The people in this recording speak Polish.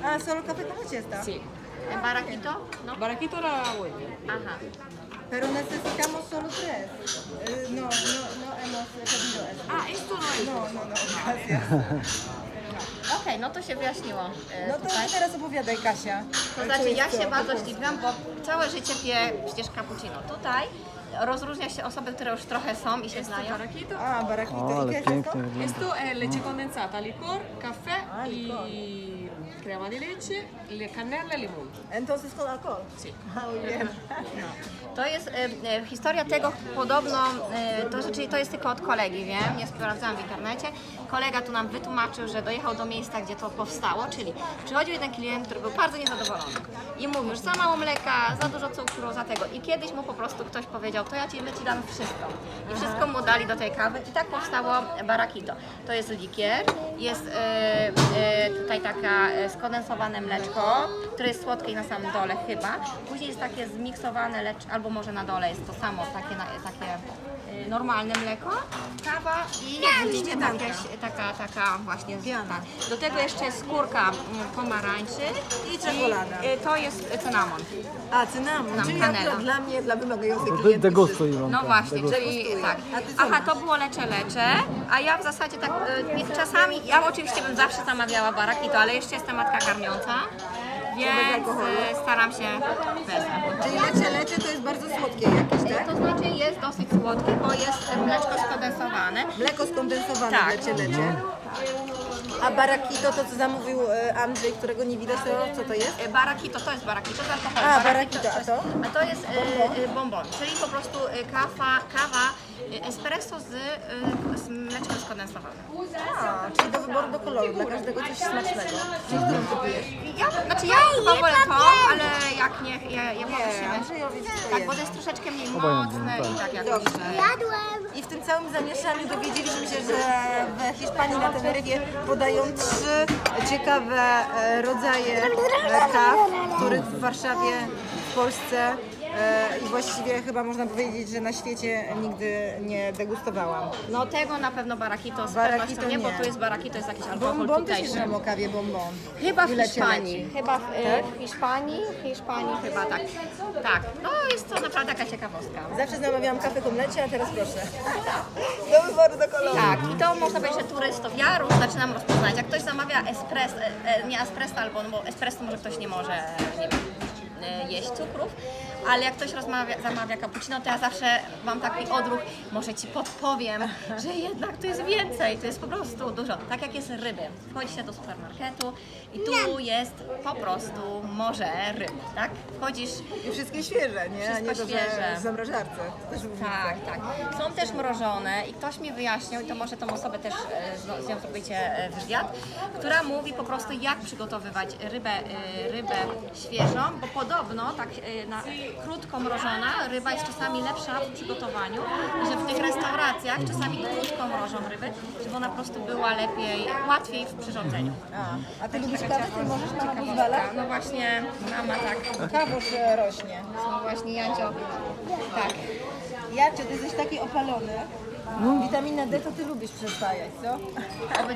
Ah, solo café con leche está. Sí. ¿Baraquito? ¿No? Baraquito era bueno. Ajá. Pero necesitamos solo 3. No hemos pedido eso. Ah, esto no es. No, gracias. Okej, no to się wyjaśniło No to tutaj. teraz opowiadaj, Kasia. To znaczy, ja się bardzo zdziwiłam, bo całe życie piję przecież cappuccino. Tutaj rozróżnia się osoby, które już trochę są i się znają. Baraquito. A, barakito. O, ¿Y ale qué es esto? pięknie wygląda. Esto es leche condensada, licor, café Ah, licor. y crema de leche, canela y limón. Entonces con alcohol. Sí. Ah, muy bien. To jest historia tego podobno, to jest tylko od kolegi, wiem, nie sprawdzałam w internecie. Kolega tu nam wytłumaczył, że dojechał do miejsca, gdzie to powstało, czyli przychodził jeden klient, który był bardzo niezadowolony i mówił, że za mało mleka, za dużo cukru, za tego. I kiedyś mu po prostu ktoś powiedział, to ja ci dam wszystko. I wszystko mu dali do tej kawy i tak powstało barakito. To jest likier, jest tutaj taka skondensowane mleczko, które jest słodkie na samym dole chyba. Później jest takie zmiksowane, lecz albo może na dole jest to samo, takie normalne mleko, kawa i jakaś taka właśnie Piana. Do tego jeszcze jest skórka pomarańczy I czekolada. to jest cynamon. A, cynamon. Czyli kanela. akurat dla mnie, dla wymagających To klientów. degustuj, Iwonka. No właśnie, degustuj. czyli tak. A ty co Aha, masz? to było lecze, a ja w zasadzie tak czasami, ja oczywiście bym zawsze zamawiała barakito, ale jeszcze jestem matka karmiąca, więc alkoholu? staram się bez alkoholu. Czyli lecze to jest bardzo słodkie jakieś, tak? To znaczy jest dosyć słodkie, bo jest mleczko skondensowane. Mleko skondensowane Tak. lecie. A barakito, to co zamówił Andrzej, którego nie widać, to co to jest? Barakito, to jest barakito z alkoholem. A, barakito, a to? A to jest bonbon, czyli po prostu kawa espresso z mleczkiem skondensowanym. A, czyli do wyboru do koloru, dla każdego coś smacznego. Czyli którym ty pijesz? Ja chyba wolę to, ale jak nie, je poprosimy. Andrzejowi wszystko Tak, bo jest. to jest troszeczkę mniej Obojętnie, mocne i tak jakoś. Dobrze. I w tym całym zamieszaniu dowiedzieliśmy się, że w Hiszpanii na Teneryfie podają 3 ciekawe rodzaje kaw, których w Warszawie, w Polsce i właściwie chyba można powiedzieć, że na świecie nigdy nie degustowałam. No tego na pewno barakito z Barakito pewnością nie, bo nie. tu jest barakito, jest jakiś alkohol Bonbon też tutejszy. słyszałam o kawie bonbon. Chyba w I lecie Hiszpanii. leci. Chyba w Hiszpanii chyba tak. Tak, no jest to naprawdę taka ciekawostka. Zawsze zamawiałam kawę komlecie, a teraz proszę. Do wyboru do koloru. Tak, i to można powiedzieć, że turystów. Ja już zaczynam rozpoznać. Jak ktoś zamawia espresso, nie espresso, albo no bo espresso może ktoś nie może, nie wiem, jeść cukrów, ale jak ktoś zamawia cappuccino, to ja zawsze mam taki odruch, może Ci podpowiem, że jednak to jest więcej, to jest po prostu dużo. Tak jak jest ryby. Wchodzi się do supermarketu i tu jest po prostu morze ryb, tak? Wchodzisz. I wszystkie świeże, nie? A Wszystko nie to, świeże. że w zamrażarce. To też różnica. Tak. Są też mrożone i ktoś mi wyjaśnił, i to może tą osobę też z nią zrobicie wywiad, która mówi po prostu jak przygotowywać rybę świeżą, bo podobno tak krótko mrożona ryba jest czasami lepsza w przygotowaniu, że w tych restauracjach czasami krótko mrożą ryby, żeby ona po prostu była łatwiej w przyrządzeniu. A ty lubisz kawę? Ty możesz, mama pozwala? No właśnie, mama tak, Kawoż rośnie. no właśnie Jancio, tak. Jacio, ty jesteś taki opalony. Witamina D to ty lubisz przyswajać, co?